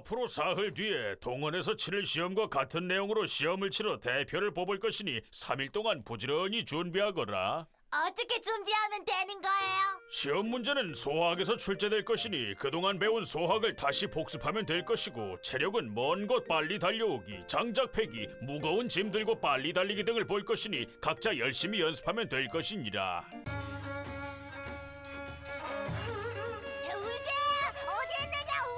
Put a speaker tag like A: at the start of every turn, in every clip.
A: 앞으로 사흘 뒤에 동원에서 치를 시험과 같은 내용으로 시험을 치러 대표를 뽑을 것이니 3일 동안 부지런히 준비하거라.
B: 어떻게 준비하면 되는 거예요?
A: 시험 문제는 소학에서 출제될 것이니 그동안 배운 소학을 다시 복습하면 될 것이고, 체력은 먼 곳 빨리 달려오기, 장작 패기, 무거운 짐 들고 빨리 달리기 등을 볼 것이니 각자 열심히 연습하면 될 것이니라.
B: 운세야! 어디 있느냐,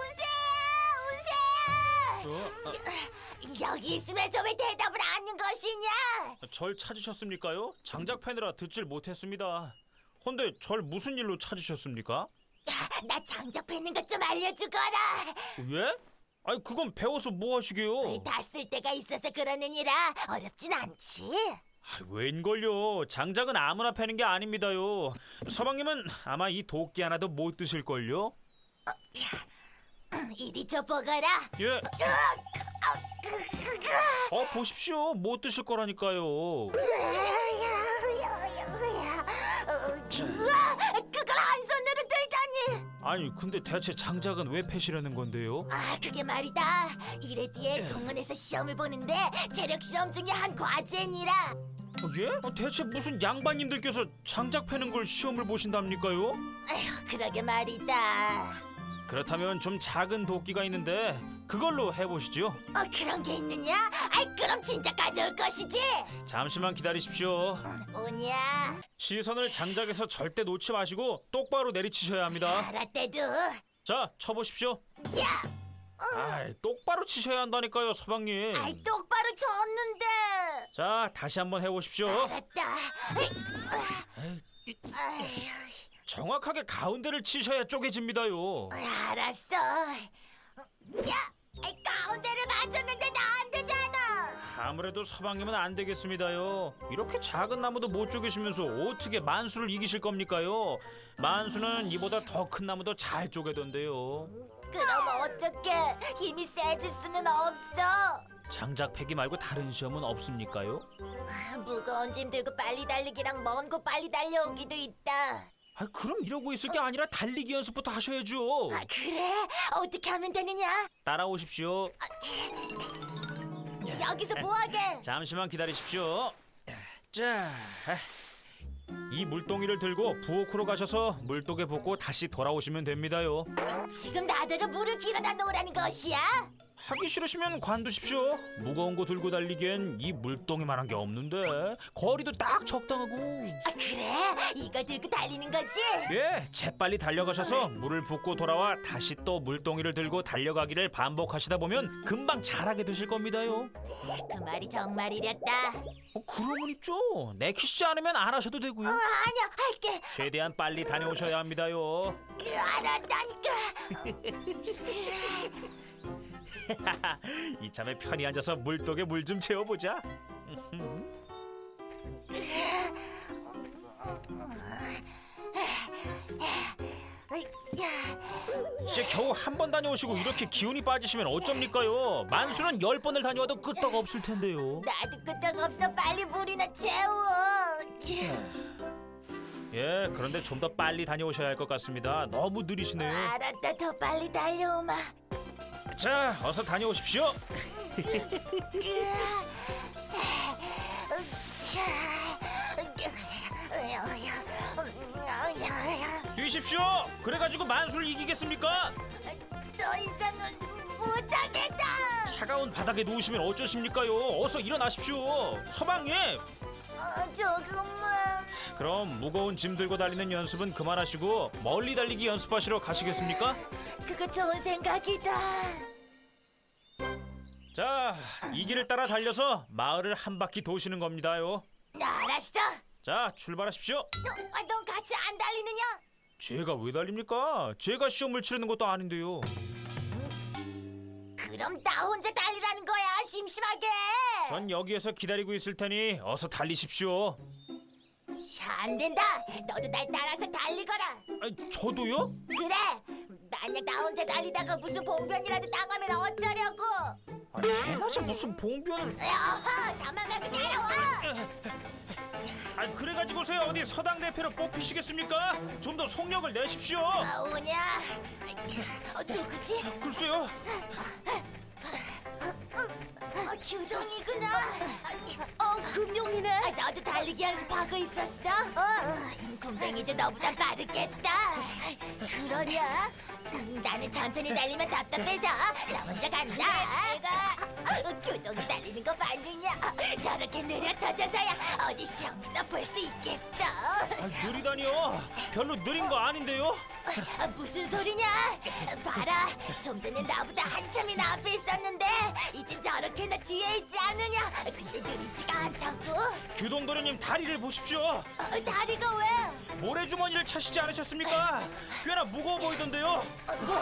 B: 운세야! 여기 있으면서 왜 대답을 안 하는 것이냐?
C: 절 찾으셨습니까요? 장작 패느라 듣질 못했습니다. 헌데 절 무슨 일로 찾으셨습니까?
B: 나 장작 패는 것 좀 알려주거라.
C: 예? 아니 그건 배워서 뭐 하시게요?
B: 다 쓸 데가 있어서 그러느니라. 어렵진 않지.
C: 웬걸요? 장작은 아무나 패는 게 아닙니다요. 서방님은 아마 이 도끼 하나도 못 드실걸요?
B: 이리 줘보거라.
C: 예. 보십시오. 못 드실 거라니까요.
B: 우와, 그걸 한 손으로 들다니.
C: 아니 근데 대체 장작은 왜 패시려는 건데요?
B: 그게 말이다. 이래 뒤에 동원에서 시험을 보는데 체력 시험 중에 한 과제니라.
C: 예? 대체 무슨 양반님들께서 장작 패는 걸 시험을 보신답니까요?
B: 아휴, 그러게 말이다.
C: 그렇다면 좀 작은 도끼가 있는데 그걸로 해보시죠.
B: 그런 게 있느냐? 그럼 진짜 가져올 것이지.
C: 잠시만 기다리십시오.
B: 뭐냐?
C: 시선을 장작에서 절대 놓지 마시고 똑바로 내리치셔야 합니다.
B: 알았대도.
C: 자, 쳐보십시오.
B: 야,
C: 똑바로 치셔야 한다니까요, 서방님.
B: 똑바로 쳤는데.
C: 자, 다시 한번 해보십시오.
B: 알았다.
C: 정확하게 가운데를 치셔야 쪼개집니다요.
B: 알았어. 야, 가운데를 맞췄는데 나 안 되잖아.
C: 아무래도 서방님은 안 되겠습니다요. 이렇게 작은 나무도 못 쪼개시면서 어떻게 만수를 이기실 겁니까요? 만수는 이보다 더 큰 나무도 잘 쪼개던데요.
B: 그럼 어떻게? 힘이 세질 수는 없어.
C: 장작 패기 말고 다른 시험은 없습니까요?
B: 무거운 짐 들고 빨리 달리기랑 먼 곳 빨리 달려오기도 있다.
C: 그럼 이러고 있을 게 아니라 달리기 연습부터 하셔야죠.
B: 그래? 어떻게 하면 되느냐?
C: 따라오십시오.
B: 여기서 뭐하게?
C: 잠시만 기다리십시오. 자, 이 물동이를 들고 부엌으로 가셔서 물독에 붓고 다시 돌아오시면 됩니다요.
B: 지금 나더러 물을 길어다 놓으라는 것이야?
C: 하기 싫으시면 관두십시오. 무거운 거 들고 달리기엔 이 물동이만한 게 없는데 거리도 딱 적당하고.
B: 그래? 이걸 들고 달리는 거지?
C: 예, 재빨리 달려가셔서 물을 붓고 돌아와 다시 또 물동이를 들고 달려가기를 반복하시다 보면 금방 잘하게 되실 겁니다요.
B: 그 말이 정말이랬다.
C: 그러면 있죠. 내키시지 않으면 안 하셔도 되고요.
B: 아니야, 할게.
C: 최대한 빨리 다녀오셔야 합니다요.
B: 알았다니까.
C: 이참에 편히 앉아서 물독에 물 좀 채워보자. 이제 겨우 한 번 다녀오시고 이렇게 기운이 빠지시면 어쩝니까요? 만수는 10번을 다녀와도 끄떡 없을 텐데요.
B: 나도 끄떡 없어. 빨리 물이나 채워.
C: 예, 그런데 좀 더 빨리 다녀오셔야 할 것 같습니다. 너무 느리시네요.
B: 알았다, 더 빨리 달려오마.
C: 자, 어서 다녀오십시오. 뛰십시오. 그래가지고 만수를 이기겠습니까?
B: 더 이상은 못하겠다.
C: 차가운 바닥에 누우시면 어쩌십니까요? 어서 일어나십시오. 서방님.
B: 조금만.
C: 그럼 무거운 짐 들고 달리는 연습은 그만하시고 멀리 달리기 연습하시러 가시겠습니까?
B: 그거 좋은 생각이다.
C: 자, 이 길을 따라 달려서 마을을 한 바퀴 도시는 겁니다요.
B: 알았어.
C: 자, 출발하십시오.
B: 넌 같이 안 달리느냐?
C: 제가 왜 달립니까? 제가 시험을 치르는 것도 아닌데요.
B: 그럼 나 혼자 달리라는 거야, 심심하게.
C: 전 여기에서 기다리고 있을 테니 어서 달리십시오.
B: 안 된다. 너도 날 따라서 달리거라.
C: 저도요?
B: 그래. 만약 나 혼자 달리다가 무슨 봉변이라도 당하면 어쩌려고.
C: 대낮에 무슨 봉변을.
B: 어허, 잠만 말고 따라와.
C: 그래가지고서야 어디 서당 대표로 뽑히시겠습니까? 좀 더 속력을 내십시오.
B: 오냐? 누구지?
C: 글쎄요.
B: 달리기 연습하고 있었어? 군뱅이도 너보다 빠르겠다. 그러냐? 나는 천천히 달리면 답답해서 나 혼자 간다. 내가 교동이 달리는 거 봤느냐? 저렇게 느려 터져서야 어디 시험이나 볼 수 있겠어.
C: 느리다니요. 별로 느린 거 아닌데요.
B: 무슨 소리냐? 봐라, 좀 전에 나보다 한참이나 앞에 있었는데 이젠 저렇게나 뒤에 있지 않느냐? 근데 느리지가 않다고?
C: 규동도련님 다리를 보십시오.
B: 다리가 왜?
C: 모래주머니를 차시지 않으셨습니까? 꽤나 무거워 보이던데요.
B: 뭐?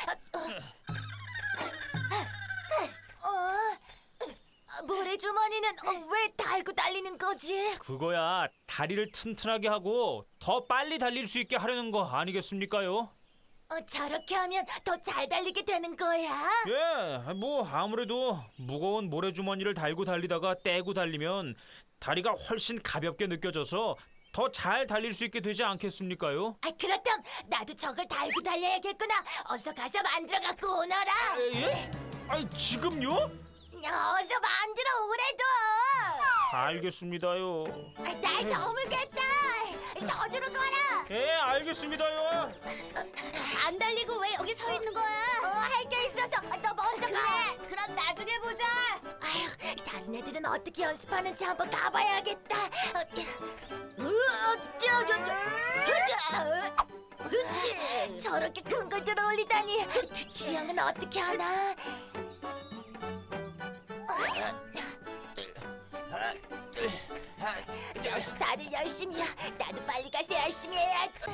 B: 모래주머니는 왜 달고 달리는 거지?
C: 그거야 다리를 튼튼하게 하고 더 빨리 달릴 수 있게 하려는 거 아니겠습니까요?
B: 저렇게 하면 더 잘 달리게 되는 거야?
C: 예, 뭐 아무래도 무거운 모래주머니를 달고 달리다가 떼고 달리면 다리가 훨씬 가볍게 느껴져서 더 잘 달릴 수 있게 되지 않겠습니까요?
B: 그렇담 나도 저걸 달고 달려야겠구나. 어서 가서 만들어 갖고 오너라.
C: 예? 아니 지금요?
B: 어서 만들어 오래도.
C: 알겠습니다요.
B: 날 저물겠다. 서두르 거라.
C: 예, 알겠습니다요.
B: 안 달리고 왜 여기 서 있는 거야? 할 게 있어서 너 먼저 가. 그럼 나중에 보자. 아휴, 다른 애들은 어떻게 연습하는지 한번 가봐야겠다. 저렇게 큰 걸 들어 올리다니. 두칠이 형은 어떻게 하나? 역시 다들 열심히야. 나도 빨리 가서 열심히 해야지.